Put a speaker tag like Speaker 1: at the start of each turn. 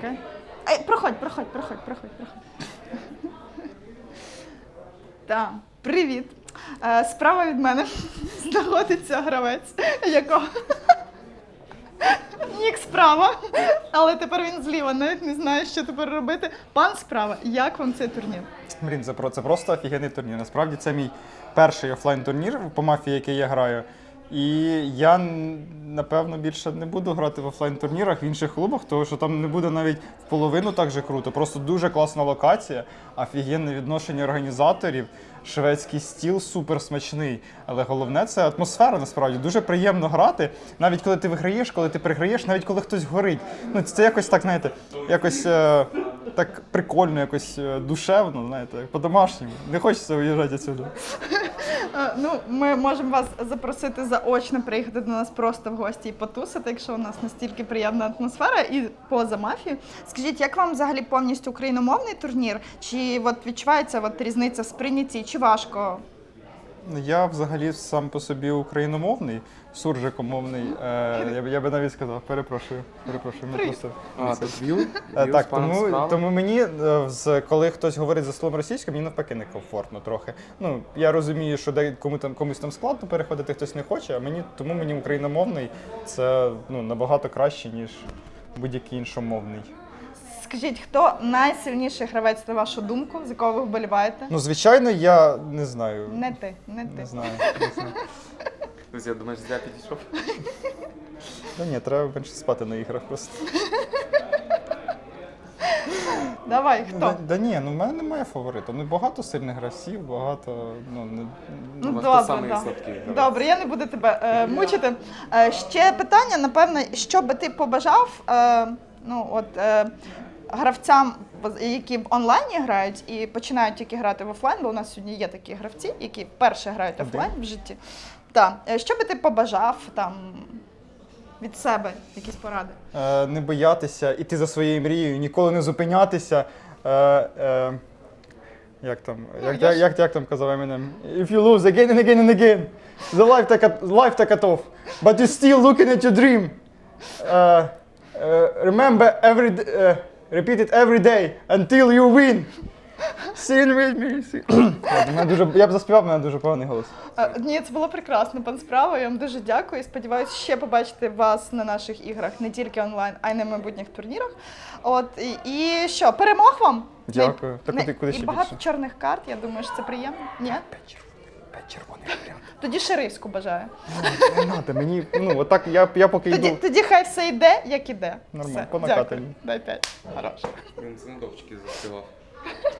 Speaker 1: Окей. Ей, проходь. Так, привіт. Справа від мене знаходиться гравець, якого нік справа, але тепер він зліва, навіть не знає, що тепер робити. Пан справа, як вам цей турнір?
Speaker 2: Блін, це просто офігенний турнір. Насправді це мій перший офлайн-турнір по мафії, який я граю. І я, напевно, більше не буду грати в офлайн-турнірах в інших клубах, тому що там не буде навіть в половину так же круто. Просто дуже класна локація, офігенне відношення організаторів, шведський стіл супер смачний. Але головне – це атмосфера, насправді. Дуже приємно грати, навіть коли ти виграєш, коли ти програєш, навіть коли хтось горить. Ну, це якось так, знаєте, якось так прикольно, якось душевно, знаєте, по-домашньому. Не хочеться виїжджати відсюди.
Speaker 1: Ну, ми можемо вас запросити заочно приїхати до нас просто в гості і потусити, якщо у нас настільки приємна атмосфера і поза мафією. Скажіть, як вам взагалі повністю україномовний турнір? Чи от відчувається от різниця в сприйнятті, чи важко?
Speaker 2: Я взагалі сам по собі україномовний, суржикомовний. Я би навіть сказав, перепрошую. Ми просто...
Speaker 3: тут віл?
Speaker 2: Так, тому мені, коли хтось говорить за словом російською, мені навпаки некомфортно трохи. Ну, я розумію, що комусь там складно переходити, хтось не хоче, а тому мені україномовний це набагато краще, ніж будь-який іншомовний.
Speaker 1: Скажіть, хто найсильніший гравець, на вашу думку, за кого ви вболіваєте?
Speaker 2: Ну, звичайно, я не знаю.
Speaker 1: Не ти.
Speaker 2: Не знаю.
Speaker 3: Друзі, думаєш, зря підійшов?
Speaker 2: Ну ні, треба менше спати на іграх просто.
Speaker 1: Давай, хто?
Speaker 2: Да ні, в мене немає фаворита. Ну, багато сильних гравців, багато,
Speaker 1: Добре, добре, я не буду тебе мучити. Ще питання, напевно, що би ти побажав, гравцям, які в онлайні грають і починають тільки грати в офлайн, бо у нас сьогодні є такі гравці, які вперше грають офлайн в житті. Так, що би ти побажав там від себе, якісь поради?
Speaker 2: Не боятися, іти за своєю мрією, ніколи не зупинятися. Як там казав Eminem? If you lose again and again and again, the life take off, but you still looking at your dream. Remember repeat it every day until you win. Sing with me. Я б заспівав, в мене дуже поганий голос.
Speaker 1: Ні, це було прекрасно, пан Справа. Я вам дуже дякую і сподіваюся ще побачити вас на наших іграх не тільки онлайн, а й на майбутніх турнірах. І що, перемог вам?
Speaker 2: Дякую. Куди ще
Speaker 1: і багато
Speaker 2: більше?
Speaker 1: чорних карт, я думаю, що це приємно. Ні?
Speaker 2: 5 червоних варіантів.
Speaker 1: Тоді шерифську бажаю.
Speaker 2: Не треба, мені, отак, я поки йду.
Speaker 1: Тоді хай все йде, як іде.
Speaker 2: Нормально,
Speaker 1: Все,
Speaker 2: по накатанню.
Speaker 1: дякую. Дай 5. Хорошо.
Speaker 3: Він з недовчки заспівав.